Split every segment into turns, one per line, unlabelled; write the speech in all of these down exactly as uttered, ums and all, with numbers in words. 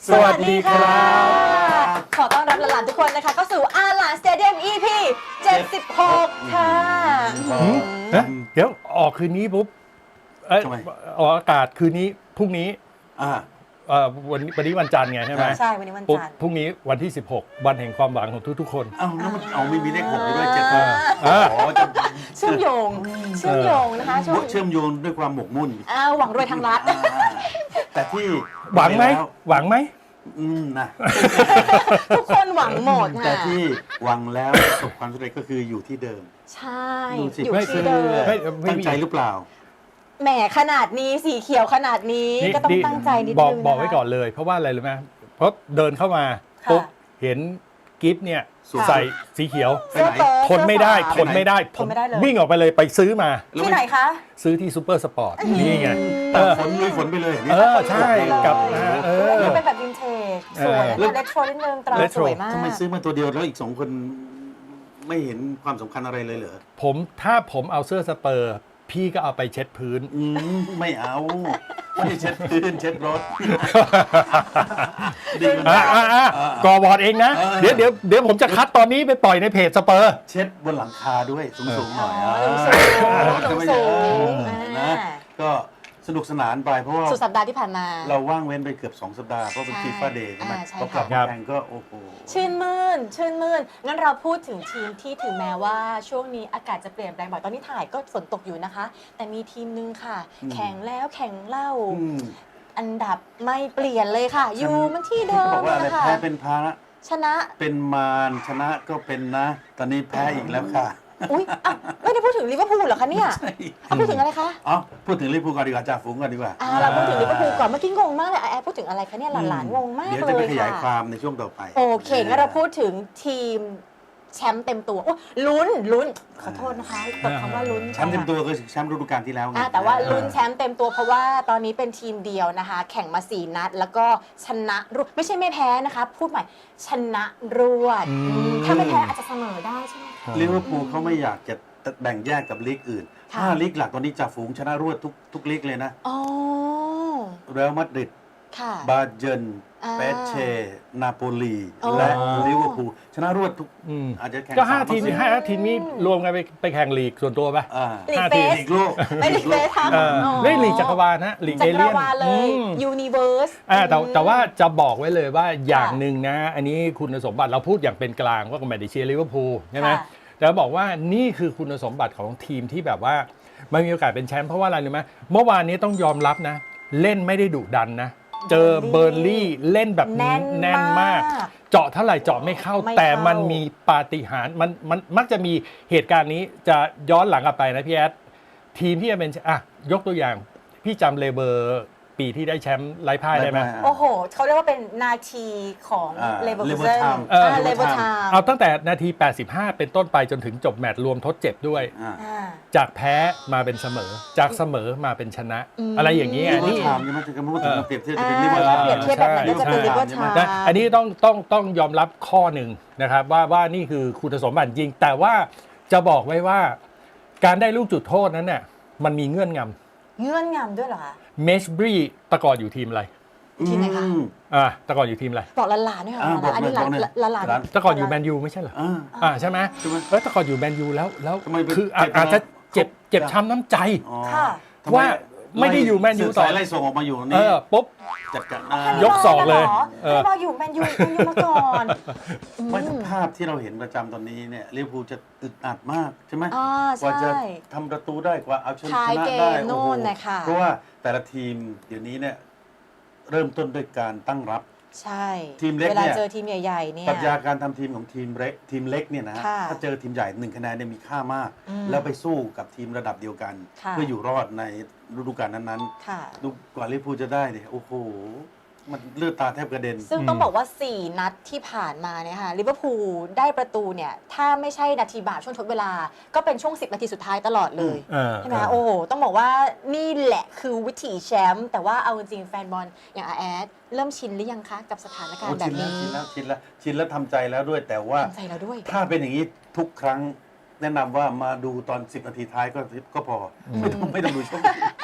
สวัสดีครับ
ขอต้อนรับหลานๆทุกคนนะคะเข้าสู่อาหลานสเตเดียม อี พี เจ็ดสิบหก ค่ะ
นะเดี๋ยวออกคืนนี้ปุ๊บเอ้ย
ทำไม
ออกอากาศคืนนี้พรุ่งนี้
อ่า
เอ่อวันวันนี้วันจันทร์ไงใช่ไหม
ใช่วันนี้วัน
ปุ๊บ
จันทร์
พรุ่งนี้วันที่สิบหกวันแห่งความหวังของทุกๆคน
เอ้าแล้วมันเอาไม่มีเลขหกอยู่ด้วยเจ็ด
อ่าอ่า
อ๋อจะ
เชื่อมโยงเชื่อมโยงนะคะช่วง
เชื่อมโยงด้วยความหมกมุ่น
อ้าวหวังรวยทางรัฐ
อ่าแต่ที่
หวังไหม
แล้ว
หวังไหม
อืมนะ
ทุกคนหวังหมด
แต่
ค่ะ
ที่หวังแล้วประสบความสำเร็จก็คืออยู่ที่เดิม
ใช่
ดูสิ
อยู่
ไม่
ที่เดิม
ไม่ไม่
ตั้ง
มี
ใจหรือเปล่า
แหมขนาดนี้สีเขียวขนาดนี้ก็ต้องตั้งใจนิดนึง
บอก
นะคะ
บอกไว้ก่อนเลย เพราะว่าอะไรรู้ไหมเพราะเดินเข้ามา
ค่ะ
ปุ๊บเห็นกิฟต์เนี่ย
ค่ะ
ใส่สีเขียว
ไปไหน
เสื้อเชิ้ต
ทนไม่ได้
เสื้
ท
อฝา
นไม่ได้
ทนไม่ได้เลย
วิ่งออกไปเลยไปซื้อมา
แล้ว
ที่ไหนคะ
ซื้อที่ซูเปอร์สปอร์ตนี่ไง
แต่
เออ
ฝนลุยฝนไปเลย
เออใช่กับนะเออ
มันเป็นแบบวินเทจสวย
เออ
นะเรโทรนิดนึงตรา
เรโท
ส
ร
วยมาก
ทำไมซื้อมาตัวเดียวแล้วอีกสองคนไม่เห็นความสำคัญอะไรเลยเหรอ
ผมถ้าผมเอาเสื้อสเปอร์ พี่ก็เอาไปเช็ดพื้น
อืมไม่เอาไม่ได้เช็ดพื้นเช็ดรถดีมัน
อ่ะอ่ะอ่ะกอบอร์ดเองนะ
เออ
เดี๋ยวเดี๋ยวเดี๋ยวผมจะคัดตอนนี้ไปปล่อยในเพจสเปอร์
เช็ดบนหลังคาด้วยสูงๆหน่อย
อ๋อ
อ่ะ
สูงๆ
จะไม่
สูง
เออ
อ่า
นะก็สนุกสนานไปเพราะว่า
สุดสัปดาห์ที่ผ่านมา
เราว่างเว้นไปเกือบสองสัปดาห์เพราะเป็น
ใช่
ฟีฟ่าเดย์ใช่ไหม
อ่าใช่
พอกลับ
ครั
มา
บ
แข่งก็โอ้โห
ชื่นมื่น ชื่นมื่น งั้นเราพูดถึงทีมที่ถึงแม้ว่าช่วงนี้อากาศจะเปลี่ยนแปลงบ่อยตอนนี้ถ่ายก็ฝนตกอยู่นะคะ แต่มีทีมนึงค่ะ แข่งแล้วแข่งเล่า
อืม
อันดับไม่เปลี่ยนเลยค่ะ อยู่มันที่เดิ
เขา
ม
บอกว่าอะไร
นะคะ
แพ้เป็นพระ
ชนะ
เป็นมารชนะก็เป็นนะ ตอนนี้แพ้อีกแล้วค่ะ
อุ๊ยอ่ะไม่ได้พูดถึงลิเวอร์พูลเหรอคะเนี่ย
ใช่
เอาพูดถึงอะไรคะ
เอ๋อพูดถึงลิเวอร์พูลก่อนดีกว่าจ่าฝูงก่อนดีกว่า
อ่าเราพูดถึงลิเวอร์พูลก่อนเมื่อกี้งงมากเลยอ่ะแอร์พูดถึงอะไรคะเนี่ยหลานๆงงมาก
เดี๋ยว
เล
จะไป
ย
ขยายค
ค่ะ
วามในช่วงต่อไป
โอเคงั้นเราพูดถึงทีมแชมป์เต็มตัวโอ้ลุ้นลุ้นขอโทษนะคะตบคำว่าลุ้น
แชมป์เต็มตัวก็แชมป์ฤดูกาลที่แล้วไง
อ่ะแต่ว่าลุ้นแชมป์เต็มตัวเพราะว่าตอนนี้เป็นทีมเดียวนะคะ แข่งมาสี่นัด แล้วก็ชนะรวดไม่ใช่ไม่แพ้นะคะ พูดใหม่ชนะรวด
อืม
อืมถ้าไม่แพ้อาจจะเสมอได้ใช่ไหมคะ
ลิเวอร์พูลเขาไม่อยากจะแบ่งแยกกับลีกอื่น
ค่ะ
ห้าลีกหลักตอนนี้จ่าฝูงชนะรวดทุกทุกลีกเลยนะ
อ๋อ
เรอัลมาดริด
ค่ะ
บาเยิร์น
อ่า
เปเช่ นาโปลี
อ๋อ
และลิเวอร์พูลชนะรวดทุก
อืม
อาจจะแข่ง
ก็ห้า
ส
ทีม
เปอร์เซ็นต์
ห้าทีมนี้รวมกันไปไปแข่งลีกส่วนตัวปะ
อ่า
ลีก
ห้า
เฟ
ทีม
ส
ลีกโลก
ไม่ลีกเฟสทำ
เออ
อ๋อ
เล่นลีกจักรวาลนะลีก
จั
เอก
ร
เลียน
วาลเล
อื
ย
ม
ยูนิเวิร์ส
อ่าแต่แต่ว่าจะบอกไว้เลยว่าอย่างหนึ่งนะ อันนี้คุณสมบัติเราพูดอย่างเป็นกลางว่าก็ไม่ได้เชียร์ลิเวอร์พูลใช่ไหม
ค่ะ
แต่บอกว่านี่คือคุณสมบัติของทีมที่แบบว่ามันมีโอกาสเป็นแชมป์เพราะว่าอะไรรู้ไหมเมื่อวานนี้ต้องยอมรับนะ เล่นไม่ได้ดุดันนะ เจอเบอร์ลี่เล่นแบบ
แน่น
แน่นมาก
มาก
เจาะเท่าไหร่เจาะไม่เข้า
ไม่เข้า
แต่มันมีปาฏิหาริย์มันมันมักจะมีเหตุการณ์นี้จะย้อนหลังกลับไปนะพี่แอดทีมที่จะเป็นอ่ะยกตัวอย่างพี่จำเลเบอร์ปีที่ได้แชมป์ไร้พ่ายได้ไหม
โอ้โห เขาเรียกว่าเป็นนาทีของ
อ่า
เลเวอร์
Lever
คูเซน
Time
เออ
เลเวอร์ไทม์
เอาตั้งแต่นาที แปดสิบห้า เป็นต้นไปจนถึงจบแมตช์รวมทดเจ็บด้วย
อ่า
จากแพ้มาเป็นเสมอ จากเสมอมาเป็นชนะ
อืม
อะไรอย่างนี้
ลิ
อ่ะ
เวอ
นี่
ร์ไทม์ใช่ไหมจะพูดถึงเปรียบเทียบจะ
อ่า
เป็นลิเวอร์ไทม์
เปรียบเทียบแบบนั้นก็จะเป็น
ใช่
เลเวอร์ไทม์
นะอันนี้ต้องต้องต้องยอมรับข้อหนึ่งนะครับว่าว่านี่คือคุณสมบัติจริง แต่ว่าจะบอกไว้ว่า การได้ลูกจุดโทษนั้นเนี่ยมันมีเงื่อนง
เงื่อนงำด้วยเหรอคะ
ำเมชบรีตะกอนอยู่ทีมอะไร
ทีมไหนคะ
อืม
อ่าตะกอนอยู่ทีมอะไร
บอกหลานๆด้วยค่ะ
อ่าบอก
อันนี้หลาน
บอกหน่อย
หลาน
หลาน
ตะกอนอยู่แมนยูไม่ใช่เหรอ
อ่า
อ่าใช่ไหม
ใช่ไหม
เออตะกอนอยู่แมนยูแล้วแล้ว
ทำไมไป
คืออา
เจ็บ
อาจจะ
นะ
เจ็บเจ็บช้ำน้ำใจ
อ๋อ
ค่ะ
ทำไม
ว่าไม่ได้อยู่แมนยูต่อ
สายไล่ส่งออกมาอยู่
เอ
นี่
อปุ๊บ
จัดการ
ยกศอกเลยเอ
เอ
อ
ออยู่แมนยูแมนยูมาก่อน
ไม่
อืม
ภาพที่เราเห็นประจำตอนนี้เนี่ยลิเวอร์พูลจะอึดอัดมากใช่ไหม
อ่าก
ว่าจะ
ใช่
ทำประตูได้กว่าเอาชนะ
ท้ายเกม
ได้
โน่
โอ้โห
นนะคะ
เพราะว่าแต่ละทีมเดี๋ยวนี้เนี่ยเริ่มต้นด้วยการตั้งรับ
ใช่
ทีมเล็ก
เวลา
เนี่ย
เจอทีมใหญ่ๆเนี่ย
ปรัชญาการทำทีมของทีมเล็กทีมเล็กเนี่ยนะฮะ
ค่ะ
ถ้าเจอทีมใหญ่หนึ่งคะแนนเนี่ยมีค่ามาก
อืม
แล้วไปสู้กับทีมระดับเดียวกัน
ค่ะ
เพื่ออยู่รอดในฤดูกาลนั้น
ค่ะ
ๆดูกว่าลิเวอร์พูลจะได้เนี่ยโอ้โหมันเลือดตาแทบกระเด็น
ซึ่งต้องบอกว่า สี่ นัดที่ผ่านมาเนี่ยค่ะลิเวอร์พูลได้ประตูเนี่ย ถ้าไม่ใช่นาทีบาปช่วงทดเวลา ก็เป็นช่วง สิบ นาทีสุดท้ายตลอดเลย
เออ
ใช่ไหมคะโอ้โห ต้องบอกว่านี่แหละคือวิถีแชมป์แต่ว่าเอาจริงๆแฟนบอลอย่างอาแอดเริ่มชินหรือยังคะ กับสถานการ
โอ้
ณ์แบ
ชิ
บ
นแล้ว
นี้
ชินแล้วชินแล้วชินแล้วทำใจแล้วด้วย แต่ว่า
ทำใจเราด้วย
ถ้าเป็นอย่างนี้ทุกครั้งแนะนำว่ามาดูตอนสิบนาทีท้ายก็ก็พอ ไม่ต้องไม่ต้องดูช่วง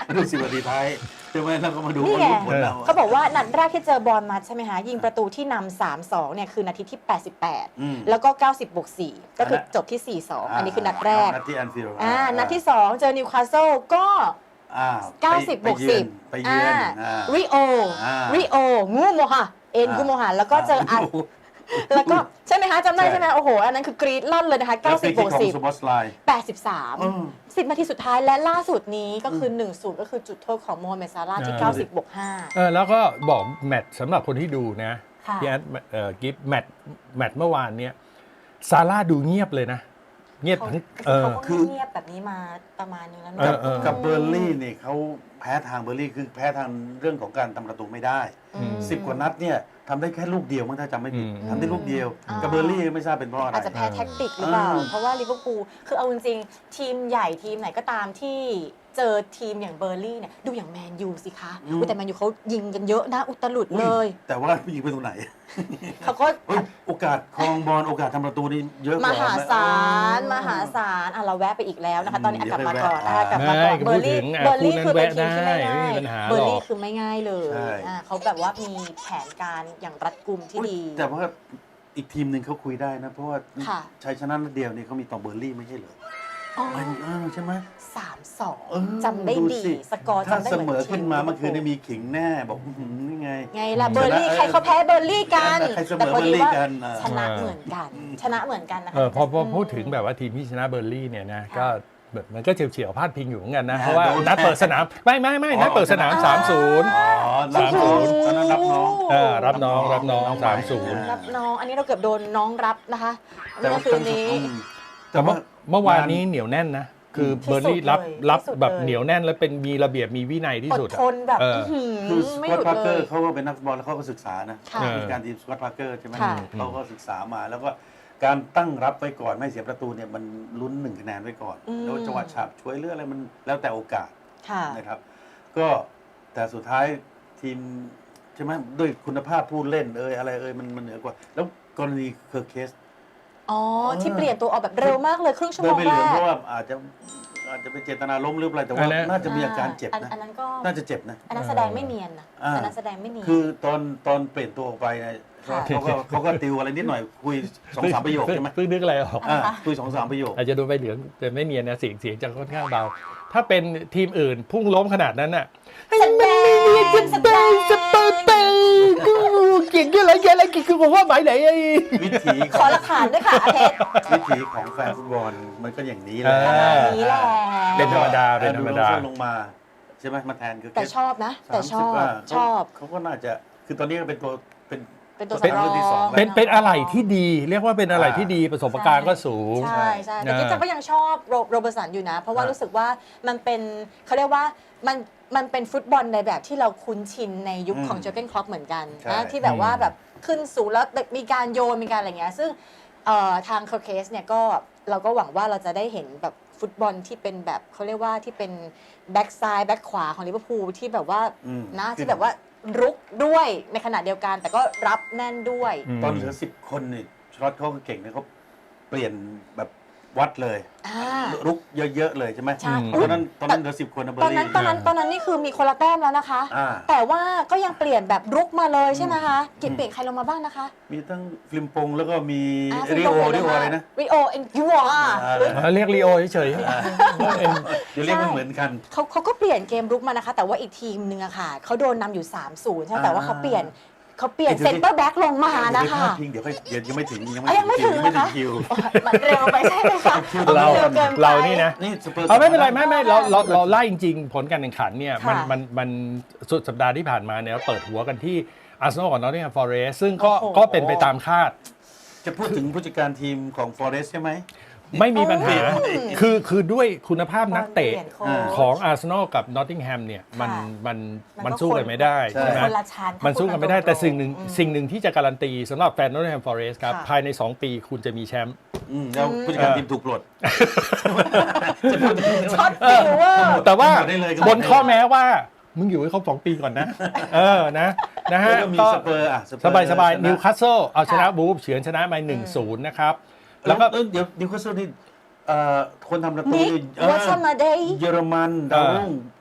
มาดูสิบนาทีท้ายใช่ไหมแล้วก็มาดู
นี่ไง
ว่าผลเรา
เขาบอกว่านัดแรกที่เจอบอลมาใช่ไหมคะยิงประตูที่นำ สามสอง เนี่ยคือนาทีที่ แปดสิบแปด
อืม
แล้วก็ เก้าสิบบวกสี่ ก็คือจบที่ สี่สอง อันนี้คือนัดแรก
นัดที่แอนฟิลด์
อ่านัดที่ สอง เจอนิวคาสเซิลก็
อ่า
เก้าสิบ
ไป
บวก
เยื
สิ
อน
บ
ไปเยือน
อ่า
อ่า
ริโอ
อ่า
ริโอ งูโมฮะเอ็นกูโมฮะแล้วก็เจออัน แล้วก็ใช่ไหมคะจำได้
ใช่
ใช่ไหมโอ้โห อันนั้นคือกรีดลั่นเลยนะคะ
แล้ว
เก้าสิบ
ฟรี
บ
คิ
ว
ก
ก
ของ
สิบ
ซูบอสไลน์
แปดสิบสาม
อืม
สิบนาทีสุดท้ายและล่าสุดนี้ก็คือ หนึ่งศูนย์ ก็คือจุดโทษของโมฮัมเหม็ดซาร่าห์ที่
อ่า
เก้าสิบบวกห้า
เออแล้วก็บอกแมตช์สำหรับคนที่ดูนะ
ค่ะ
พี่แอดเอ่อกิฟแมตช์แมตช์เมื่อวานเนี้ยซาร่าดูเงียบเลยนะ เงียบ
เขา
ทั้งเออ
เขาก็
คือ
เงียบแบบนี้มาประมาณนึงแล้ว
เอ
เนาะ
อเออ
กับเบอร์ลี่นี่เขาแพ้ทางเบอร์ลี่คือแพ้ทางเรื่องของการทำประตูไม่ได้
อืม
สิบกว่านัดเนี่ยทำได้แค่ลูกเดียวมั้งถ้าจำไม่ผิด
อืม
ทำได้ลูกเดียว
อ่ากั
กับเบอร์ลี่ไม่ทราบเป็นเพราะอะไร
อาจจะแพ้แท็กติกหรือเปล่า
เออ
เพราะว่าลิเวอร์พูลคือเอาจริงๆทีมใหญ่ทีมไหนก็ตามที่เจอทีมอย่างเบอร์ลี่เนี่ยดูอย่างแมนยูสิคะอุ๊ยแต่แมนยูเขายิงกันเยอะนะอุตลุด
อุ้
เลย
แต่ว่ายิงไปตรงไหน
เขาก็
เฮ้ยโอกาสครองบอลโอกาสทำประตูนี่เยอะก
ม
ว่า
หาศาล
เออ
มหาศาลอ่ะเราแวะไปอีกแล้วนะคะ ตอนนี้อ่ะกลับมาก่อน
เดี๋ยว
อ่ะ
ไปแวะ
กลับมาก่อน
ไม่
เบอร์ลี่
พูดถึงอ่ะ
เบอร์ลี่
คู่
คือ
นั้น
เป็นทีมที่ไม่
แวะได้
ง่าย
ไม่มีปัญหา
เบอร์ลี่
หรอก
คือไม่ง่ายเลย
ใช่
อ่ะเขาแบบว่ามีแผนการอย่างรัดกุมที่
อุ๊ย
ดี
แต่ว่าอีกทีมหนึ่งเขาคุยได้นะ เพราะว่า
ค่ะ
ชัยชนะนัดเดียวนี่เขามีต่อเบอร์ลี่ไม่ใช่เหรอ
อ๋อ
มันเออใช่ไหม
สามสอง
เออ
จำได้ดี
สิ
สกอร์
ถ้า
จำได้
เส
เห
ม
มือน
อขึ้นมาเมื่อคืนนี่มีขิงแน่บอกอื้อหือนี่ไง
ไงล่ะเบอร์ลี่ใครเขาแพ้เบอร์ลี่กัน
ใครเสมอ
แต่พอดีว่า
เบอร์ลี่กันอ่ะ
ชนะเหมือนกัน ชนะเหมือนกันนะคะ
เออพอพอพูดถึงแบบว่าทีมที่ชนะเบอร์ลี่เนี่ยนะก็แบบมันก็เฉียวๆพลาดพิงอยู่เหมือนกันนะ
นะ
เพราะว่า
โดน
นัดเปิดสนามไม่ไม่ไม่นัดเปิดสนาม สามศูนย์
อ๋อรับน้องตอนนั้นรับน้อง
เออรับน้องรับน้อง
น้อง
สามศูนย์
ใหม่
รับน้องอันนี้เราเกือบโดนน้องรับนะคะเมื่
ว่า
อคืนนี้
อืม
แต่เมื่อเมื่อวานนี้เหนียวแน่นนะ คือ
ที่
เบอร์ลี่รับ
สุดเลย
รับ
ที่สุด
แบบ
เลย
เหนียวแน่นแล้วเป็นมีระเบียบมีวินัยที่
อด
สุดอะ
ทนแบบ
เออ
อื้อ
คื
หื
อ
อ
ส
ไม่
ก
ห
อต
ยุด
พาร์เก
เล
อย ร์เขาก็เป็นนักฟุตบอลแล้วเขาก็ศึกษานะ
ค่ะ
มีการทีมสกอตพาร์เกอร์ใช่ไหม
ค่ะ
เขาก็ศึกษามาแล้วก็การตั้งรับไว้ก่อนไม่เสียประตูเนี่ยมันลุ้นหนึ่งคะแนนไว้ก่อน
อืม
แล้วจังหวะฉาบช่วยเลือกอะไรมันแล้วแต่โอกาส
ค่ะ
นะครับ ก็แต่สุดท้ายทีมใช่ไหมด้วยคุณภาพผู้เล่นเอยอะไรเอยมันมันเหนือกว่า แล้วกรณีเคอร์เคส
อ๋อ
เออ
ที่เปลี่ยนตัวออกแบบเร็วมากเลยครึ่งชั่ว
เดิ
โม
น
ง
ไป
แร
เหลือง
ก
เพราะว่าอาจจะอาจจะเป็นเจตนาล้มหรืออะไรแต่ว่า
อันนั้น
น่าจะมีอาการเจ็บ
อัน
นะ
อันนั้นก็
น่าจะเจ็บนะ
อันนั้นแสดงไม่เนียนนะ
อ่า
อันนั้นแสดงไม่เนียน
คือตอนตอนเปลี่ยนตัวออกไปเนี่ย
ค่ะ
เขาก็เขาก็ติวอะไรนิดหน่อยคุยสองสามประโยคใช่ไหม
เพิ่งนึกอะไรออก
อ่าคุยสองสามประโยค
อาจจะดูไปเหลืองแต่ไม่เนียนนะเสียงเสียงจะค่อนข้างเบา ถ้าเป็นทีมอื่นพุ่งล้มขนาดนั้นน่ะ
แสดงแสดง
สเปอร์เตกูเก่งอะไรเก่งอะไรคือผมว่าหมายไหนไอ้
วิถี
ขอหลักฐานด้วยค่ะอาเพชร
วิถีของแฟนฟุตบอลมันก็อย่างนี้แหละ
เอ
ประมาณนี้แหละ
เป็นธรรมดาเป็นธรรมดา
แอโลงมาใช่ไหมมาแทนคือ
แต่ชอบนะ แต่ชอบ
สามสิบว่า
ชอบ
เขาก็น่าจะคือตอนนี้ก็เป็นตัวเป็น
เป็นตัว
เป็น
สำรอง
รุ่นที่สองแล้ว
เป็นเป็นอะไรที่ดี เรียกว่าเป็นอะไรที่ดีประสบการณ์ก็สูง
ใช่ใช่แต่
อ่า
กิ๊บก็ยังชอบโรโรเบอร์สันอยู่นะ เพราะว่า
อ่ารู้
รู้สึกว่ามันเป็นเขาเรียกว่ามันมันเป็นฟุตบอลในแบบที่เราคุ้นชินในยุคของเจอร์เกนคล็อปเหมือนกัน
ใช่
นะที่แบบว่าแบบขึ้นสูงแล้วมีการโยนมีการอะไรเงี้ยซึ่งเอ่อทางเคอร์เคสเนี่ยก็เราก็หวังว่าเราจะได้เห็นแบบฟุตบอลที่เป็นแบบเขาเรียกว่าที่เป็นแบ็กซ้ายแบ็กขวาของลิเวอร์พูลที่แบบว่า
อืม
นะที่แบบว่ารุกด้วยในขณะเดียวกัน แต่ก็รับแน่นด้วย
อืม
ตอนเหลือสิบคนนี่ชลอตเขาก็เก่งนะเขาเปลี่ยนแบบวัดเลย
อ่า
รุกเยอะๆเลยใช่ไหม
ใช่
ตอนนั้นตอนนั้นเหลือสิบคนนะเบอ
ตอน
ร์
นั้น
ลี่
ตอนนั้นตอนนั้นนี่คือมีคนละแต้มแล้วนะคะ
อ่า
แต่ว่าก็ยังเปลี่ยนแบบรุกมาเลยใช่ไหมคะกินเปลี่ยนใครลงมาบ้างนะคะ
มีทั้งฟิลิมปงแล้วก็มี
อ่า
ริโอ
ฟิ
ริ
ลิป
โอ
ปินส์
อะไรนะ
ริโอเอ็นยูอ่ะ
อ่า
อ่าเรียกลีโอเฉย
เดี๋ยวเรียกไม่เหมือนกัน
เขาเขาก็เปลี่ยนเกมรุกมานะคะ แต่ว่าอีกทีมหนึ่งอะค่ะเขาโดนนำอยู่ สามศูนย์ ใช่ไหมแต่ว่าเขาเปลี่ยนเขาเปลี่ยน
เดี๋ยว
เซนเตอร์แบ็กลงมานะคะ
เดี๋ยวเดี๋ยวค่อยเดี๋ยวยังไม่ถึงยัง
อ่ะยังไม่ถึง
ยังไม่ถึ
นะคะ
งคิว
มันเร็วไปใช่ไหมคะ
เรา
เร็วเกินไป
เรานี่นะ
นี่สเปอร์
เอาไม่เป็นไรไม่ไม่เราเราเราไล่จริงๆ ผลการแข่งขันเนี่ยมัน
ค่ะ
มันมันสุดสัปดาห์ที่ผ่านมาเนี่ยเราเปิดหัวกันที่อาร์เซนอลกับนอตติงแฮมฟอเรสต์ซึ่งก็
โอ้โห
ก็เป็นไปตามคาด
จะพูดถึงผู้จัดการทีมของฟอเรสต์ใช่ไหม
ไม่มีปัญหา
อืม
คือคือด้วยคุณภาพนักเตะ
ปลี่ยนโค้ช
ของอาร์เซนอลกับนอตติงแฮมเนี่ยมัน
ค่ะ
มัน
มันก็
มันสู้กันไม่ได้
ใช่
ใช่ไหม
คนละชั้น
มันสู้กันไม่ได้
พูด
แต่สิ่งหนึ่ง
ตรงๆ
สิ่งหนึ่งที่จะการันตีสำหรับแฟนนอตติงแฮมฟอเรสต์ครับ
ค่ะ
ภายในสองปีคุณจะมีแชมป์
อืมแล้วผู้จัดการทีมถูกปลดจะพูดถึง
ช็อตฟิวเวอร์
แต่ว่า
ได้เลย
บนข้อแม้ว่ามึงอยู่ให้ครบสองปีก่อนนะ เออนะนะฮะ
แล้วก็มี
ก็
สเปอร์อ่ะ
สบายสบาย
ชะ
นิวคาสเซิลเอาชนะ
ค่ะ
บูฟเฉือนชนะมาหนึ่งศูนย์นะครับ
แล้
แล้ว ว
ก็
ก็
เดี๋ยวนิวคาสเซิลนี่เอ่อคนทำประตู
นิก
นี่เออ
วัชมาเดย์
เยอรมันดาวรุ่งอิส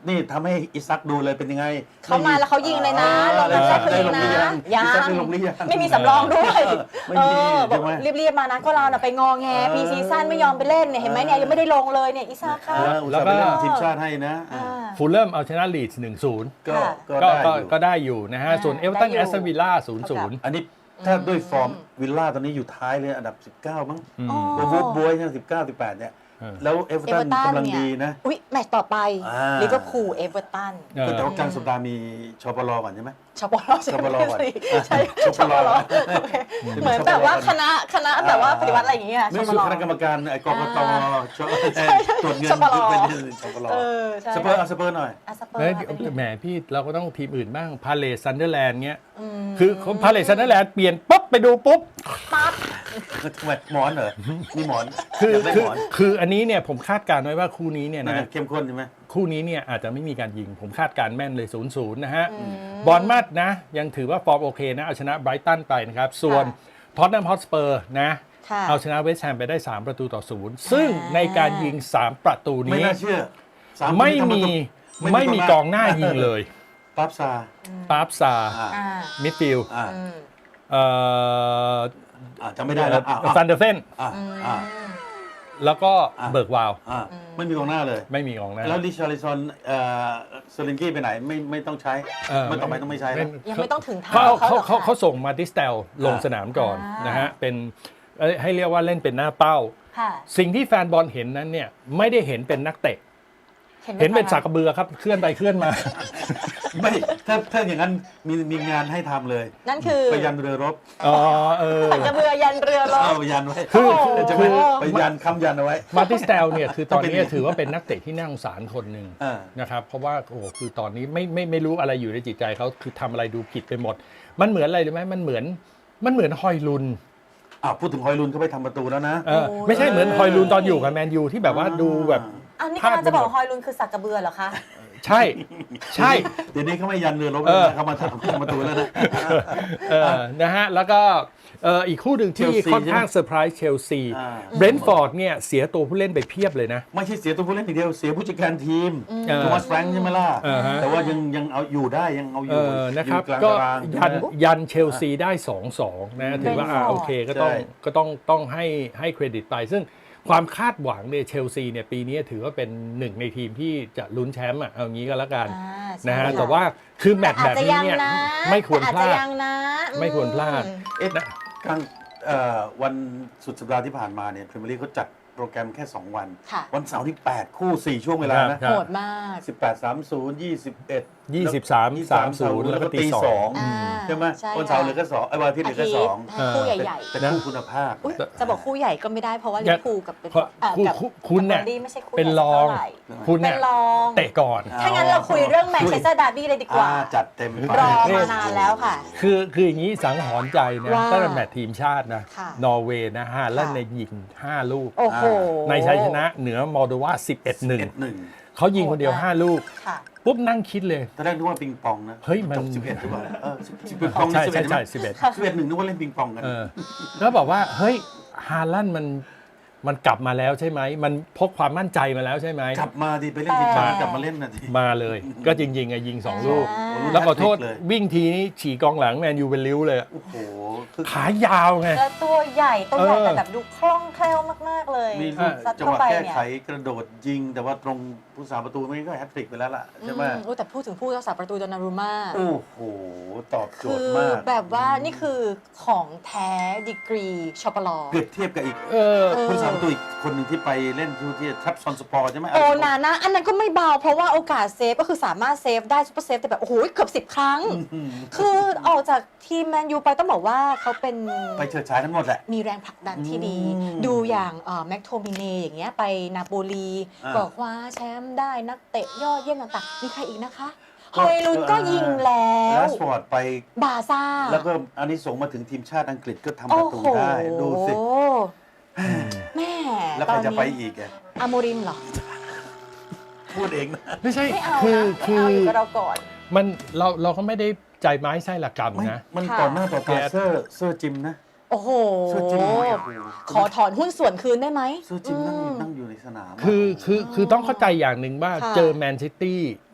นี่ทำให้อิซักดูเลยเป็นยังไง
เขามาแล้วเขายิงเลยนะลง
ได้
นัดแรกคือ
ได้
ยิ
ล
ง
ง
นะ
หรือยัง
ยั
อิซัก
ง
ได้ลงหรือยัง
ไม่มีสำรองด้วย
ไม่
เอ
มี
อบอก
ใช่ไหม
รีบๆมานะก็เราน่ะไปงอแง
เออ
พีซีซั่นไม่ยอมไปเล่นเนี่ยเห็นไหมเนี่ยยังไม่ได้ลงเลยเนี่ยอิซาค่ะ
แล้วอุตส่าห์ไปเล่นทีมชาติให้นะ
อ่า
ฟูลเลอร์เอาชนะลีดส์หนึ่งศูนย์
ก็
ค่ะ
ก็
ก็
ได้
ก็
อยู่
ก็ได้อยู่นะฮะ
อ่า
ส่วนเอเวอร์ตัน
ได้อยู่
แอสตันวิลล่าศูนย์ศูนย์
อันนี้ถ้าด้วยฟอร์มวิลล่าตอนนี้อยู่ท้ายเลยอันดับสิบเก้ามั้ง
อ๋อ
โอ้โหบวยเนี่ยสิบเก้าสิบแปดเนี่ย
เออ
แล้วเอเวอร์
เอ
ตั
เวน อร์ตัน
กำลัง
เนี่ย
ดีนะ
อุ๊ยแมตช์ต่อไป
อ่า
ลิเวอร์พูลเอเวอร์ตัน
เออ
แต่ว่ากลางสัปดาห์มีชปลก่อนใช่ไหม
ชปลใช่
ชปลก่อน
ใช่
ช
ช
ป
ป
ล
ลโอเคเหมือนแบบว่าคณะคณะแบบว่าปฏิวัติอะไรอย่างเงี้ย
ไม่
ช
สุ
ป
ด
ล
คณะกรรมการไอ้กกต
อ่า
ชตรวจเงิน
ชปล
เป็นชปล
เออใช่
สเปอร์เอาสเปอร์หน่อย
อ่ะสเปอร์
เฮ้ย
ค่ะเป็น
แหมพี่เราก็ต้องทีมอื่นบ้างพาเลสซันเดอร์แลนด์เงี้ย
ม
คือพาเลสซันเดอร์แลนด์เปลี่ยนปุ๊บไปดูปุ๊บ
ปั๊บ
ทำไมหมอนเหรอนี่หมอน
คือ
อยากได้
คือ
หมอน
คืออันนี้เนี่ยผมคาดการณ์ไว้ว่าคู่นี้เนี่ย
นั่น
นะ
น่ะเข้มข้นใช่ไหม
คู่นี้เนี่ยอาจจะไม่มีการยิง ผมคาดการณ์แม่นเลยศูนย์ศูนย์นะฮะ
อืม
บอลมัดนะ ยังถือว่าฟอร์มโอเคนะ เอาชนะไบรตันไปนะครับ ส่วน
ค่ะ
ท็อตแนมฮอตสเปอร์นะ
ค่ะ
เอาชนะเวสต์แฮมไปได้ สาม ประตูต่อศูนย์ซึ่งในการยิง สาม ประตู
ไม่
นี้
น่าเชื่อสาคน
ไม่
ที่ทำ
มี
ประตู
ไม่มีกองหน้ายิงเลย
ปั๊บซา
ปาร์ฟซา
อ่า
อ่า
มิดฟิลด์
อ่า
อืม
เอ่อ
อ่าจำไม่ได้แล้วอ่า
ซันเดอร์เฟน
อ่า
อืม
อ่า
แล้วก็
อ่ะ
เบิร์กวาว
อ่าไม่มีกองหน้าเลย
ไม่มีกองหน้า
แล้วลิชาริซอนเอ่อสลิงกี้ไปไหนไม่ไม่ต้องใช้
เออ
มันต่อไปต้องไม่ใช้แล้ว
ยังไม่ต้องถึงทาง
เขา
เขา
เขา
หรอก
เขา
ค่ะ
เขาส่งมาดิสเตลลง
อ่า
สนามก่อน
อ่าน
นะฮะเป็นเอ้ยให้เรียกว่าเล่นเป็นหน้าเป้า
ค่ะ
สิ่งที่แฟนบอลเห็นนั้นเนี่ยไม่ได้เห็นเป็นนักเตะ เห็นเป็นสากกระเบือครับเคลื่อนไปเคลื่อนมา
ไม่ถ้าถ้าอย่างนั้นมีมีงานให้ทำเลย
นั่นคือ
ไปยันเรือรบ
อ๋อเออ
กระเบือยันเรือร
เอา
บ
ไปยันไว้
คือ
โอ้โห
จะไปไปยันคำยันเอาไว้
มาติสเตลเนี่ยคือตอนนี้
ต้องเป็น
ถือว่าเป็นนักเตะที่น่าสงสารคนหนึ่ง
อ่า
นะครับเพราะว่าโอ้โหคือตอนนี้ไม่ไม่ไม่รู้อะไรอยู่ในจิตใจเขาคือทำอะไรดูผิดไปหมด มันเหมือนอะไรรู้ไหมมันเหมือนมันเหมือนฮอยลุน
อ่าพูดถึงฮอยลุนเขาไปทำประตูแล้วนะ
เออไม่ใช่เหมือนฮอยลุนตอนอยู่กับแมนยูที่แบบว่าดูแบบ
อันนี้
พลาด
กำลังจะบอก
ไปหมด
ฮอยลุนคือสักกระเบือเหรอคะ
ใช่ใช่
เดี๋ยวนี้เขาไม่ยันเรือรบ
เอ
แล้ว
อ
นะเขามาทำประตูแล้วนะ
เออนะฮะแล้วก็เอ่ออีกคู่หนึ่งที่
เชลซี
ค่อนข้างเซอร์ไพรส์เชลซี
อ่า
เบรนท์ฟอร์ดเนี่ยเสียตัวผู้เล่นไปเพียบเลยนะ
ไม่ใช่เสียตัวผู้เล่นอย่างเดียวเสียผู้จัดการทีม
เออ
โทมัสแฟรงค์ใช่ไหมล่ะ
เออฮะ
แต่ว่ายังยังเอาอยู่ได้ยังเอาอ
เอยู่ อนะครับ
อยู่กลาง
ก็
ตาราง
ยัน
ใช่ไหม
ยันเชลซีได้ สองสอง นะถือว่าอ่า
Brentford
โอเคก็ต้อง
ใช่
ก็ต้องต้องให้ให้เครดิตไป ซึ่งความคาดหวังเนี่ยเชลซีเนี่ยปีนี้ถือว่าเป็นหนึ่งในทีมที่จะลุ้นแชมป์อ่ะเอางี้ก็แล้วกัน
อ่าใช่
นะฮะ
ค่
แต่ว่าคือแมตช์
อา
แบ
จ
บ
จะ
นี้
ยัง
เนี่ย
นะ
ไม่ควร
อาจ
พลา
จะ
ด
ยังนะ
ไม่ควรพลาด
อืม
เอ๊ะกลางเอ่อวันสุดสัปดาห์ที่ผ่านมาเนี่ยพรีเมียร์ลีกเขาจัดโปรแกรมแค่ สอง วัน
ค่ะ
วันเสาร์ที่แปดคู่ สี่ ช่วงเวลานะ
ครับ
โหดมาก
สิบแปด สามสิบ ยี่สิบเอ็ด
ยี่สิบสาม สามสิบ
แล้
แล้ว ว
ก็
ก็
ตี
ตี
ส
ส
อ
อง ง
อ่า
ใช่ไหม
ใช่
วันเสาร์เหลือ
ค่ะ
แค่สองไอ้วันอาทิตย์เหลือแค่สอง
าทิตย์คู่ใหญ่
แต่
นะ
คู่คุณภาพ
ๆอุ๊ยจะบอกคู่ใหญ่ก็ไม่ได้เพราะว่าลิเวอร์พูลกับเป็น
เพราะ
อ่า
คู่
กับ
คู่คุณเนี่ย
กับ Burnley ไม่ใช่คู่
เป็น
ใหญ่
รอง
เท่าไหร่
คุณ
เป็
เนี่ย
นรอง
เตะก่อน
ถ้างั้นเราคุยเรื่องแมนเชสเตอร์ดาร์บี้เลยดีกว่า
อ่าจัดเต็มไป
รอมานานแล้วค่ะ
คือคืออย่างนี้สังหรณ์ใจนะ
ว่า
ตั้งแต่แมตช์ทีมชาตินะ
ค่ะ
นอร์เวย์นะฮาแลนด์
ค่ะ
ในยิงห้าลูก
โอ้โห
ในชัยชนะเหนือมอลโดวาสิบเอ็ดหนึ่ง
เอ็ดหนึ่ง
เขายิงคนเดียว
โหดมาก
ห้าลูก
ค่ะ
ปุ๊บนั่งคิดเลย
ตอนแรกนึกว่าปิงปองนะ
เฮ้ยมัน
จบสิบเอ็ดหรือเปล่าเออสิบเอ็ดปอง
ใช่
สิบ
ใช่
เอ็ด
ใช่สิบเอ็ด
สิบเอ็ดหนึ่งนึกว่าเล่นปิงปองกัน
เออแล้วบอกว่า เฮ้ยฮาแลนด์มันมันกลับมาแล้วใช่ไหม มันพกความมั่นใจมาแล้วใช่ไหม
กลับมาดิไปเล่นทีมชาติกลับมาเล่นนะที
มาเลย ก็จริงๆอะยิงสองลูก
อ่า
แล้วขอโทษ
เลย
วิ่งทีนี้ฉีกกองหลังแมนยูเป็นริ้วเลยอะ
โอ้โหคือ
ขายาวไง
แล้วตัวใหญ่ตัวใหญ่
เออ
แต่แบบดูคล่องแคล่วมาก ๆ เลย
มี
อ่า
ลูก
ซัด
จัง
เข้า
หวะ
ไป
แก้
เนี่ย
ไขกระโดดยิง แต่ว่าตรงผู้สาประตูไม่ก็แฮตทริกไปแล้วล่ะใช่ไหม
อืมแต่พูดถึงผู้รักษาประตูดอนนารุม่า
โอ้โห ตอบโจ
คื
ท
อ
ย์มาก
แบบว่านี่คือของแท้ดีกรีชอปลอ
เปรียบเทียบกับอีก
เออ
เออ
ผู้สาประตูอีกคนหนึ่งที่ไปเล่นที่ที่ทรัพซอนสปอร์ใช่ไหม
โอนานะอันนั้นก็ไม่เบาเพราะว่าโอกาสเซฟก็คือสามารถเซฟได้ซุปเปอร์เซฟแต่แบบ โอ้โหเกือบสิบครั้ง
อืม
คือออกจากทีมแมนยูไปต้องบอกว่าเขาเป็น
ไปเฉิดฉายทั้งหมดแหละ
มีแรงผลักดันที่ดี
อืม
ดูอย่างแม็กโทมิเนอย่างเงี้ยไปนาโปลี
อ่า
ก็คว้าแชมป์ได้นักเตะยอดเยี่ยมต่างๆ มีใครอีกนะคะฮ
ก็
อยลุนก็ยิงแล้
แล
ว
สฟอร์ดไป
บาซ่า
แล้วก็อันนี้ส่งส์มาถึงทีมชาติอังกฤษก็ทำป
โอ้
ระตู
โห
ได้ ดูสิ
แม่
แล้ว
ต
ใคร
อน
จะไป
นี้
อีกอะ
อาโมริมเหรอ
พูดเองนะ
ไม่ใช่
ไม่เอา
คือ
นะ
คื
ไม่
อ
เอาอยู่กับเราก่อน
มันเราเราก็ไม่ได้ใจไม้ไส้ละกรรม
ไม่
นะ
มัน
ค่ะ
ต่อหน้าต่อตา
แก๊ส
เซอร์เซอร์จิมนะ
โอ้โห
เซอร์จิม
ขอถอนหุ้นส่วนคืนได้ไหม
เซอร์จิมนั่งอยู่
อืม
นั่งอยู่ในสนามะ
คือคือคือต้องเข้าใจอย่างหนึ่งว่า
ค่ะ
เจอแมนซิตี้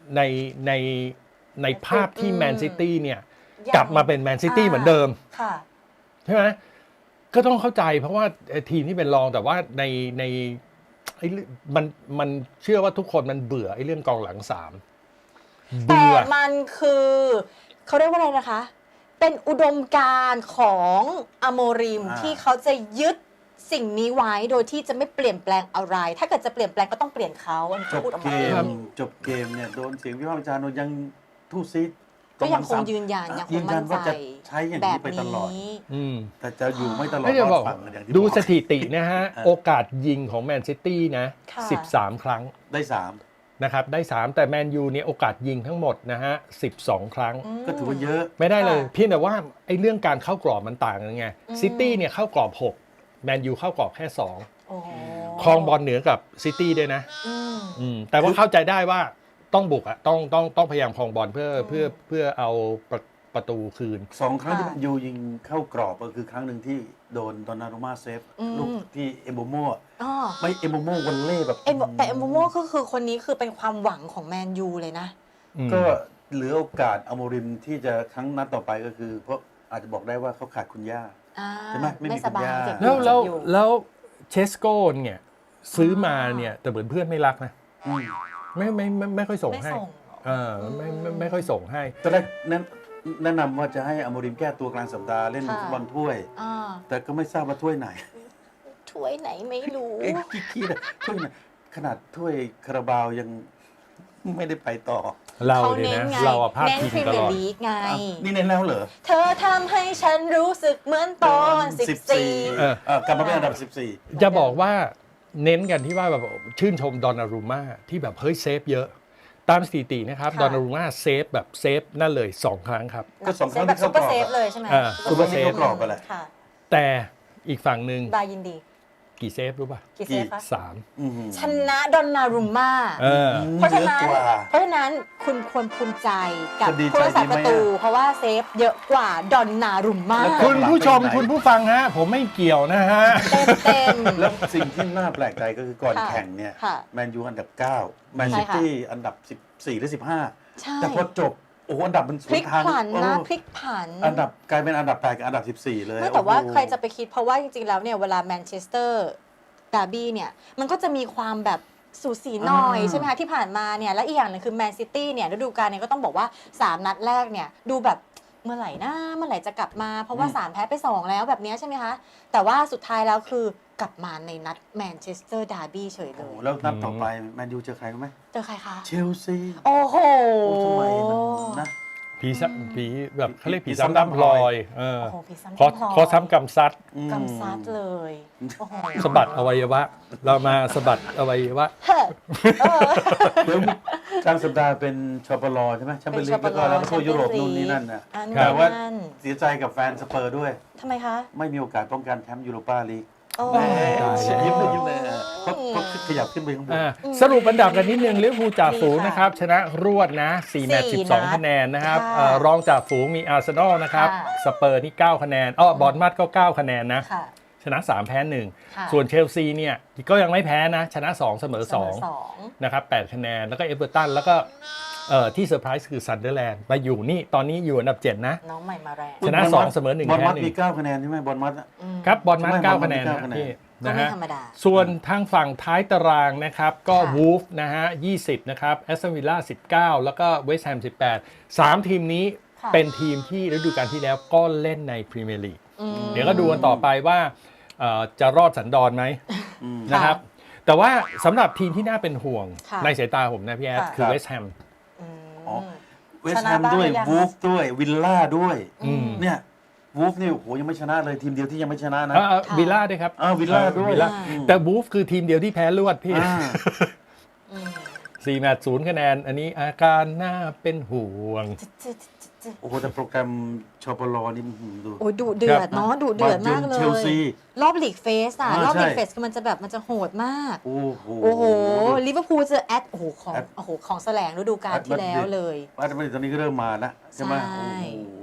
ในในในภาพที่แมนซิตี้เนี่ย
ยัง
กลับมาเป็นแมนซิตี้เหมือนเดิม
ค่ะ
ใช่ไหมก็ต้องเข้าใจเพราะว่าทีมที่เป็นรองแต่ว่าในในไอ้เรื่องมันมันเชื่อว่าทุกคนมันเบื่อไอ้เรื่องกองหลังสาม
แต่
เบื่อ
มันคือเขาเรียกว่าอะไรนะคะ เป็นอุดมการณ์ของอโมริม
อ่า
ที่เขาจะยึดสิ่งนี้ไว้โดยที่จะไม่เปลี่ยนแปลงอะไร ถ้าเกิดจะเปลี่ยนแปลงก็ต้องเปลี่ยนเขาอันนี้
จ
เขา
บ
พูดออก
เก
มาเอง
มจบเกมเนี่ยโดนเสียงวิพากษ์วิจารณ์ว่ายังทู่ซีด
ก็ยังคงยืนยันยังค
ยื
ง
น
มั่
ยั
น
น
ใจ
ว่าจะใช้อย่าง
แบ
นี้
บ
ไปตลอด
นี้
อืม
แต่จะอยู่ไม่ตลอด
ไม่จะ
ร
บ
อ
อ
ด
ก
ฝั่งอย่างที่
ดู
บอก
สถิตินะฮะ
เออ
โอกาสยิงของแมนซิตี้นะ
ค่ะ
สิบสามครั้ง
ได้สาม
นะครับได้สามแต่แมนยูเนี่ยโอกาสยิงทั้งหมดนะฮะสิบสองครั้ง
อืม
ก็ถือว่าเยอะ
ไม่ได้เลย
ค่ะ
เพียงแต่ว่าไอ้เรื่องการเข้ากรอบมันต่างกันไง
อืม
ซิตี้เนี่ยเข้ากรอบหกแมนยูเข้ากรอบแค่สอง
โอ้โห
ครองบอลเหนือกับซิตี้ด้วยนะ
อืม
อืมแต่ว่าเข้าใจได้ว่าต้องบุกอะต้องต้องต้องพยายามครองบอลเพื่อ
อืม
เพื่อเพื่อเอาประประตูคืน
สองครั้งที่
ค่ะ
แมนยูยิงเข้ากรอบก็คือครั้งหนึ่งที่โดนดอนนารุม่าเซฟ
อืม
ลูกที่เอมโบโม
อ๋อ
ไม่เอมโบโมวันเล่แบบ
เอ็มแต่เอ็มโมโมก็คือคนนี้คือเป็นความหวังของแมนยูเลยนะ
อืม
ก็เหลือโอกาสอโมริมที่จะครั้งนัดต่อไปก็คือ เพราะอาจจะบอกได้ว่าเขาขาดคุณย่า
อ่า
ใช่ไหมไม่มี
ไม่สบาย
คุณย่า
เจ็บอ
แล้ว
ยู่
แล้ว
เจ็บอยู่
แล้วเชสโก้เนี่ยซื้อมาเนี่ยแต่เหมือนเพื่อนไม่รักนะ
อืม
ไม่ไม่ไม่ไม่ค่อยส่ง
ไม่
ให้
ส่ง
เออไม่ไม่ไม่ค่อยส่งให้
ตอนแรกแนะแนะนำว่าจะให้อโมริมแก้ตัวกลางสัปดาห์เล่น
ค่ะ
ฟุตบอลถ้วย
อ่า
แต่ก็ไม่ทราบว่าถ้วยไหน
ถ้วยไหนไม่รู้
เอ๊ะคิดๆอะถ้วยไหนขนาดถ้วยคาราบาวยังไม่ได้ไปต่อ
เรา
เขา
เนี่ย
เน้น
นะ
ไง
เราอะพลาด
เน้น
พิง
พรี
ต
เมี
ล
ย
อ
ร์
ด
ลีกไง
อ้าวนี่เน้นแล้วเหรอ
เธอทำให้ฉันรู้สึกเหมือนตอนสิบสี่
เออ
เออกลับมาเป็นอันดับสิบสี่
จะบอกว่าเน้นกันที่ว่าแบบชื่นชมดอนนารูมาที่แบบเฮ้ยเซฟเยอะ ตามสถิตินะครับ
ค่ะ
ดอนนารูมาเซฟแบบเซฟนั่นเลยสองครั้งครับ
ก็สองครั้ง
แบบ
ที่
ซุ
เข้า
ปเปอร์
กรอบ
เซฟเลยใช่ไหม
อ่า
ซุปเปอร์เซฟเข้ากรอบไปแหละ
ค่ะ
แต่อีกฝั่งหนึ่ง
บายินดี
กี่เซฟรู้ป่ะ
กี่เซฟคะ
สาม
อื้อหือ
ชนะดอนนารุมม่า
เออ
เพราะฉะนั้น
เยอะกว่า
เพราะฉะนั้นคุณควรภูมิใจกับ
จะดีใจ
ผู้รักษา
ดีไหม
ประตู
อะ
เพราะว่าเซฟเยอะกว่าดอนนารุมม่า
แล้วก็
คุณผู้ชมคุณผู้ฟังฮะ ผมไม่เกี่ยวนะฮะ
เต็มเต็ม
แล้วสิ่งที่น่าแปลกใจก็คือก่อน
ค่ะ
แข่งเนี่ย
ค่ะ
แมนยูอันดับเก้าแมน
ใช่
ซิ
ค่ะ
ตี้อันดับสิบสี่หรือสิบห้า
ใช่
แต่พอจบ โอ้โหอันดับมันส
พ
ว
ลิ
น
ก
ทาง
ผัน
เอ
นะ
อ
พลิกผัน
อันดับกลายเป็นอันดับแปดกับอันดับสิบสี่เลย
ไม่แต่ว่า
โอ้โห
ใครจะไปคิดเพราะว่าจริงๆแล้วเนี่ยเวลาแมนเชสเตอร์ดาร์บี้เนี่ยมันก็จะมีความแบบสูสีหน่อย
อ่า
ใช่ไหมคะที่ผ่านมาเนี่ยและอีกอย่างหนึงคือแมนซิตี้เนี่ยฤดูกาลเนี่ยก็ต้องบอกว่าสามนัดแรกเนี่ยดูแบบเมื่อไหร่นะเมื่อไหร่จะกลับมาเพราะว่าสามแพ้ไปสองแล้วแบบเนี้ยใช่ไหมคะแต่ว่าสุดท้ายแล้วคือกลับมาในนัดแมนเชสเตอร์ดาร์บี้เฉยเล
โอ้โห
ย
แล้วนัดต่อไปแมนยูเจอใครรู้ไหม
เจอใครคะ
เชลซี
โอ้โห
โอ้ทำไมมันนะ
ผีซ้ำผีแบบเขาเรียก
ผี
ผี
ซ้ำ
ซ้ำดำพลอยเออ
โอ้โหพี่ซ้ำ
ขอ
พลอย
ขอซ้ำกำซัด
อืม
กำซัดเลยโอ้โห
สะบัดอวัยวะ เรามาสะบัดอวัยวะ
เฮ้อเออ
เดี๋ยวกลางสัปดาห์เป็นชอปลอใช่ไหมแชมเปี้ยนลีกแล้วก็แล้วก็ทั่วยุโรปนู่นนี่นั่นนะ
อัน
ครั
แต่
บ
ว่า
นั่น
เสียใจกับแฟนสเปอร์ด้วย
ทำไมคะ
ไม่มีโอกาสป้องกันแชมป์ยูโรปาลีก
โอ้
แหม
ตายแล้ว
ยิ้มเลยยิ้มเลยเพราะเพราะขยับขึ้นไปข้างบน
อ่าสรุปอันดับกันนิดนึงลิเวอร์พูลจ่าฝูงนะครับ ชนะรวดนะสี่แมตช์สิบสองคะแนนนะครับ
ค่ะ
เอ่อรองจ่าฝูงมีอาร์เซนอลนะครับ
ค่ะ
สเปอร์นี่เก้าคะแนนอ้อบอร์นมัดก็เก้าคะแนนนะ
ค่ะ
ชนะสามแพ้หนึ่ง
ค่ะ
ส่วนเชลซีเนี่ยก็ยังไม่แพ้นะ ชนะสองเสมอสอง
สอง
นะครับแปดคะแนนแล้วก็เอเวอร์ตันแล้วก็เอ่อที่เซอร์ไพรส์คือซันเดอร์แลนด์มาอยู่นี่ตอนนี้อยู่อันดับเจ็ดนะ
น้องใหม่มาแรง
ชนะสองเสมอหนึ่ง
บอล
แพ้
มัด
หนึ่ง
มีเก้าคะแนนใช่ไหมบอลมัดอะ
อืม
ครับบอลมัด
ใช่ไหม
เก้า
บอลมัด
คะแนน
เก้า
นะ
คะแนน
พี่
ก็
นะ
ไม่
ฮะ
ธรรมดา
ส่วนทางฝั่งท้ายตารางนะครับก็
ค่ะ
วูฟนะฮะยี่สิบนะครับแอสตันวิลล่าสิบเก้าแล้วก็เวสต์แฮมสิบแปดสามทีมนี้
ค่ะ
เป็นทีมที่ฤดูกาลที่แล้วก็เล่นในพรีเมียร์ลีก
อืม
เดี๋ยวก็ดูกันต่อไปว่าเอ่อจะรอดสันดอนไหม
อืม
นะครับ แต่ว่าสำหรับทีมที่น่าเป็นห่วง
ค่ะ
ในสายตาผมนะพี่แอด
ค่ะ
คือเวสต์แฮม
อืม
อ๋อ เวส
ช
ต์
นะ
แฮม
บ้าง
ด้วย
หรือยัง
วูฟด้วยวิลล่าด้วย
อืม
เนี่ยวูฟนี่โอ้โหยังไม่ชนะเลยทีมเดียวที่ยังไม่ชนะนะ
เอ่อ
ค่ะ
วิลล่าด้วยครับ
อ้าววิลล่าด้วย
วิลล่า
อืม
แต่บูฟคือทีมเดียวที่แพ้รวดพี่
อ่า
อืม
สี่แมตช์ศูนย์คะแนน อันนี้อาการน่าเป็นห่วง
จึ๊ดจึ๊ดจึ๊ดจึ๊ด
โอ้โหแต่โปรแกรมชอปลอนี่อื้อหือดู
โอ้ยดุเดือดเนาะดุเดือดมากเล
เชลซี
ย รอบลีกเฟสอ่ะ
อ่าร
อบลีก
ใช่
เฟสคือมันจะแบบมันจะโหดมาก
โอ้โห
โอ้โหลิเวอร์พูลเจอแอดโอ้โหของ
แอด
โอ้โหของแสลงฤดูกาลที่แล้วเลย
ว่าจะไม่ตอนนี้ก็เริ่มมาแล้วใช่ไหม
ใช่
โอ้โห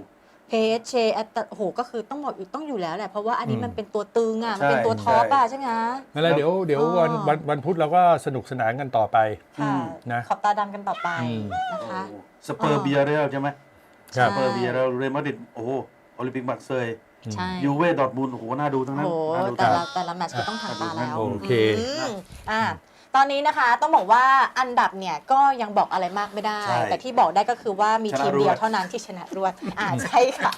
เพจเชแอตโอ้โหก็คือต้องบอกอยู่ต้องอยู่แล้วแหละเพราะว่าอันนี้
อืม
มันเป็นตัวตึงอ่ะมัน
ใช่
เป็นตัวท็อปอ่ะใช่ไหมคะ
นั่นแหละเดี๋ยวเดี๋ยว
อ๋อ
วันวันวันพุธเราก็สนุกสนานกันต่อไป
ค่ะ
นะ
ขอบตาดำกันต่อไป
อืม
นะคะ
สเปอร์เบียเรลใช่ไหม
ครั
ส
บ
เปอร์เบียเรลเรอัลมาดริดโอ้โหโอลิมปิกมาร์เซย์
ใช่
ยูเว่ดอร์ทมุนด์โอ้โหน่าดูทั้ง
โอ้
นั้น
โห
น่าดู
แต่
ทั้ง
ละ
นั้น
แต่ละแมตช์ก็ต้องผ่านตาแล้ว
โอเค
มอ่าตอนนี้นะคะต้องบอกว่าอันดับเนี่ยก็ยังบอกอะไรมากไม่ได้
ใช่
แต่ที่บอกได้ก็คือว่ามี
ชนะ
ทีมเดียว
รวด
เท่านั้นที่ชนะรวดอ่าใช่ค่ะ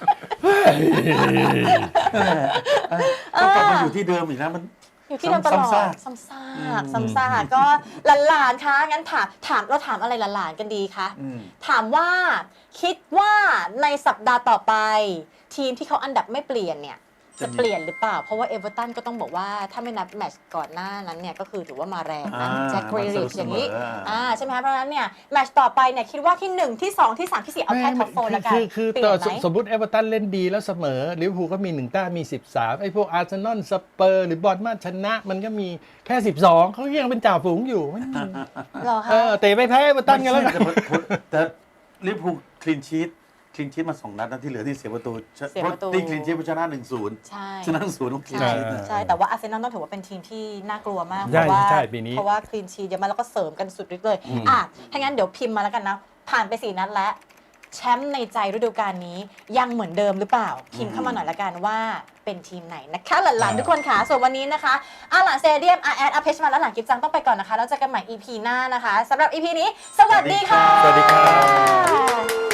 ต้องกลับมาอยู่ที่เดิมอีกนะมัน
อยู่ที่เดิมตลอด
ซ้ำซาก
ซ้ำซากซ้ำซากก็หลานๆคะงั้นถามถามเราถามอะไรหลานๆกันดีคะ
อืม
ถามว่าคิดว่าในสัปดาห์ต่อไป ทีมที่เขาอันดับไม่เปลี่ยนเนี่ย
จะ
จะ
มี
เปลี่ยนหรือเปล่า เพราะว่าเอเวอร์ตันก็ต้องบอกว่าถ้าไม่นับแมตช์ก่อนหน้านั้นเนี่ยก็คือถือว่ามาแรงนะ
อ่า
แจ็คเกรลิชอย่างนี้
มาเสมออ่า
อ่าใช่ไหมคะเพราะฉะนั้นเนี่ยแมตช์ต่อไปเนี่ยคิดว่าที่หนึ่งที่สองที่สามที่สี่เอาแค่ท็อปโฟร์แล้วกัน
คือคือ
เปลี่
ต่
ย
อน
ไหม
สมมติเอเวอร์ตันเล่นดีแล้วเสมอลิเวอร์พูลก็มีหนึ่งแต้มมีสิบสามไอ้พวกอาร์เซนอลสเปอร์หรือบอลมาชนะมันก็มีแค่สิบสองเขายังเป็นจ่าฝูงอยู่ไม่มี
เหรอคะ
เออเตะไปแพ้เอเวอร์ตันกันแล้วกัน
แต่แต่ลิเวอร์พูลคลีนชีตคลีนชีตมาสองนัดนะที่เหลือที่เสียประตู
เสียประตู
เพาที่คลีนชีตชนะหนึ่งศูนย์
ใช่
ชนะศูนย์ต้องคลีน
ใช่
ชีตนะ
ใช่ แต่ว่าอาร์เซนอลต้องถือว่าเป็นทีมที่น่ากลัวมาก
ใช่
เพราะว่า
ใช่ปีนี้
เพราะว่าคลีนชีเยอะมากแล้วก็เสริมกันสุดฤทธิ์เลยอ่ะถ้างั้นเดี๋ยวพิมพ์มาแล้วกันนะ ผ่านไปสี่นัดแล้ว แชมป์ในใจฤดูกาลนี้ยังเหมือนเดิมหรือเปล่า พิมพ์เข้ามาหน่อยละกันว่าเป็นทีมไหนนะคะหลานๆทุกคนค่ะ ส่วนวันนี้นะคะอาหลานเซเดียมอาแอดอาเพชมาและหลานกิฟจังต้องไปก่อนนะคะแล้วเจอกันใหม่ อี พี หน้านะคะสำหรับ อี พี นี้ สวัสดีค่ะ
สวัสดีครับ